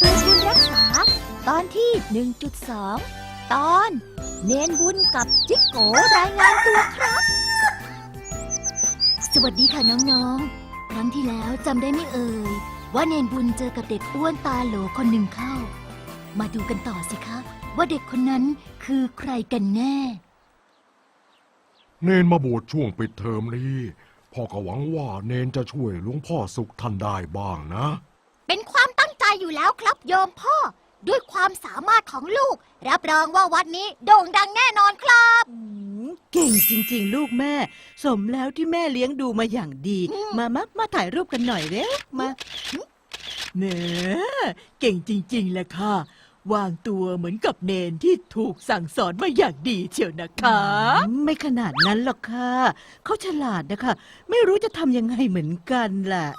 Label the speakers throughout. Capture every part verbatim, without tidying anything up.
Speaker 1: ปืนบุญรักษาตอนที่ หนึ่งจุดสอง ตอนเนนบุญกับจิกโกรายงานตัวครับ สวัสดีค่ะน้องๆครั้งที่แล้วจำได้ไม่เอ่ยว่าเนนบุญเจอกับเด็กอ้วนตาโหลคนหนึ่งเข้ามาดูกันต่อสิคะว่าเด็กคนนั้นคือใครกันแน่
Speaker 2: เนนมาบวชช่วงปิดเทอมนี้พ่อก็หวังว่าเนนจะช่วยหลวงพ่อสุขท่านได้บ้างนะ
Speaker 1: เป็นความตั้งใจอยู่แล้วครับโยมพ่อด้วยความสามารถของลูกรับรองว่าวัดนี้โด่งดังแน่นอนครับ
Speaker 3: เก่งจริงๆลูกแม่สมแล้วที่แม่เลี้ยงดูมาอย่างดีมามามาถ่ายรูปกันหน่อยเร็วมาเน่เก่งจริงๆแหละค่ะวางตัวเหมือนกับเนนที่ถูกสั่งสอนมาอย่างดีเชียวนะคะไม่ขนาดนั้นหรอกค่ะเขาฉลาดนะคะไม่รู้จะทำยังไงเหมือนกันแหละ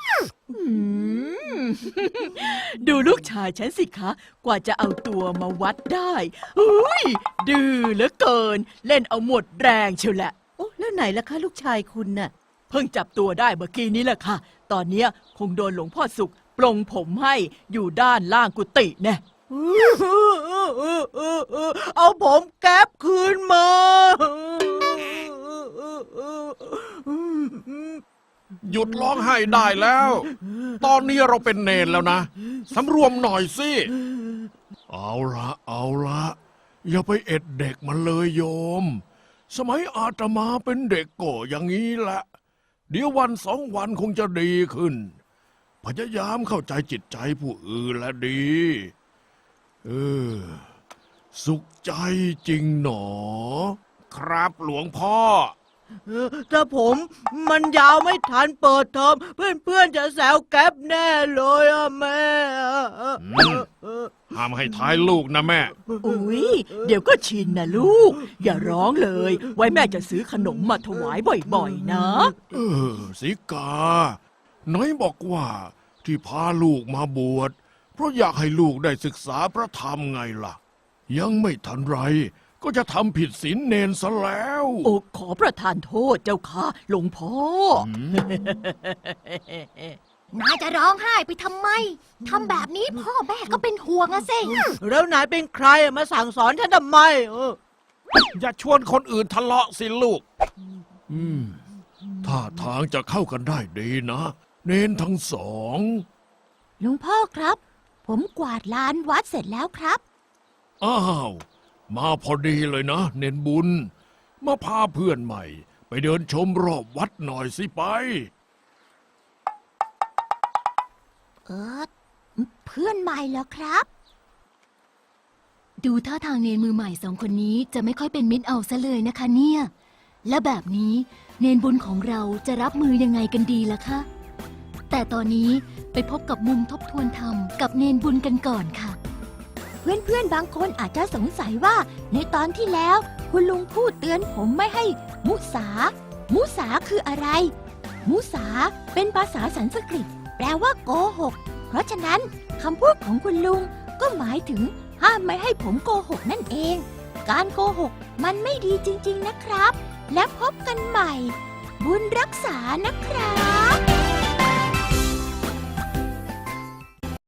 Speaker 3: ดูลูกชายฉันสิคะกว่าจะเอาตัวมาวัดได้อุ้ยดื้อเหลือเกินเล่นเอาหมดแรงเชียวแหละโอ้แล้วไหนล่ะคะลูกชายคุณน่ะเพิ่งจับตัวได้เมื่อกี้นี้แหละค่ะตอนนี้คงโดนหลวงพ่อสุขปลงผมให้อยู่ด้านล่างกุฏิแน่เอาผมแก๊ปคืนมา
Speaker 4: หยุดร้องไห้ได้แล้ว ตอนนี้เราเป็นเนนแล้วนะสำรวมหน่อยสิเอาละเอาละอย่าไปเอ็ดเด็กมันเลยโยมสมัยอาตมาเป็นเด็กก็อย่างนี้แหละเดี๋ยววันสองวันคงจะดีขึ้นพยายามเข้าใจจิตใจผู้อื่นและดีเออสุขใจจริงหนอครับหลวงพ่อ
Speaker 3: ถ้าผมมันยาวไม่ทันเปิดเทอมเพื่อนๆจะแซวแก๊ปแน่เลยอะแม่
Speaker 4: ห้ามให้ท้ายลูกนะแม่
Speaker 3: อุ๊ยเดี๋ยวก็ชินนะลูกอย่าร้องเลยไว้แม่จะซื้อขนมมาถวายบ่อยๆนะ
Speaker 4: เออสิกาน้อยบอกว่าที่พาลูกมาบวชเพราะอยากให้ลูกได้ศึกษาพระธรรมไงล่ะยังไม่ทันไรก็จะทำผิดศีลเนนซะแล้ว
Speaker 3: โอ้ขอประทานโทษเจ้าค่ะหลวงพ่อน
Speaker 1: ายจะร้องไห้ไปทำไมทำแบบนี้พ่อแม่ก็เป็นห่วงอะสิ
Speaker 3: แล้วนายเป็นใครมาสั่งสอนฉันทำไมเออ
Speaker 4: อย่าชวนคนอื่นทะเลาะสิลูกอืมท่าทางจะเข้ากันได้ดีนะเนนทั้งสอง
Speaker 1: หลวงพ่อครับผมกวาดลานวัดเสร็จแล้วครับ
Speaker 4: อ้าวมาพอดีเลยนะเนนบุญมาพาเพื่อนใหม่ไปเดินชมรอบวัดหน่อยสิไป
Speaker 1: เออเพื่อนใหม่เหรอครับ
Speaker 5: ดูท่าทางเนนมือใหม่สองคนนี้จะไม่ค่อยเป็นมิตรเอาซะเลยนะคะเนี่ยและแบบนี้เนนบุญของเราจะรับมือยังไงกันดีล่ะคะแต่ตอนนี้ไปพบกับมุมทบทวนธรรมกับเนนบุญกันก่อนค่ะ
Speaker 1: เพื่อนๆบางคนอาจจะสงสัยว่าในตอนที่แล้วคุณลุงพูดเตือนผมไม่ให้มุสามุสาคืออะไรมุสาเป็นภาษาสันสกฤตแปลว่าโกหกเพราะฉะนั้นคำพูดของคุณลุงก็หมายถึงห้ามไม่ให้ผมโกหกนั่นเองการโกหกมันไม่ดีจริงๆนะครับและพบกันใหม่บุญรักษานะครับ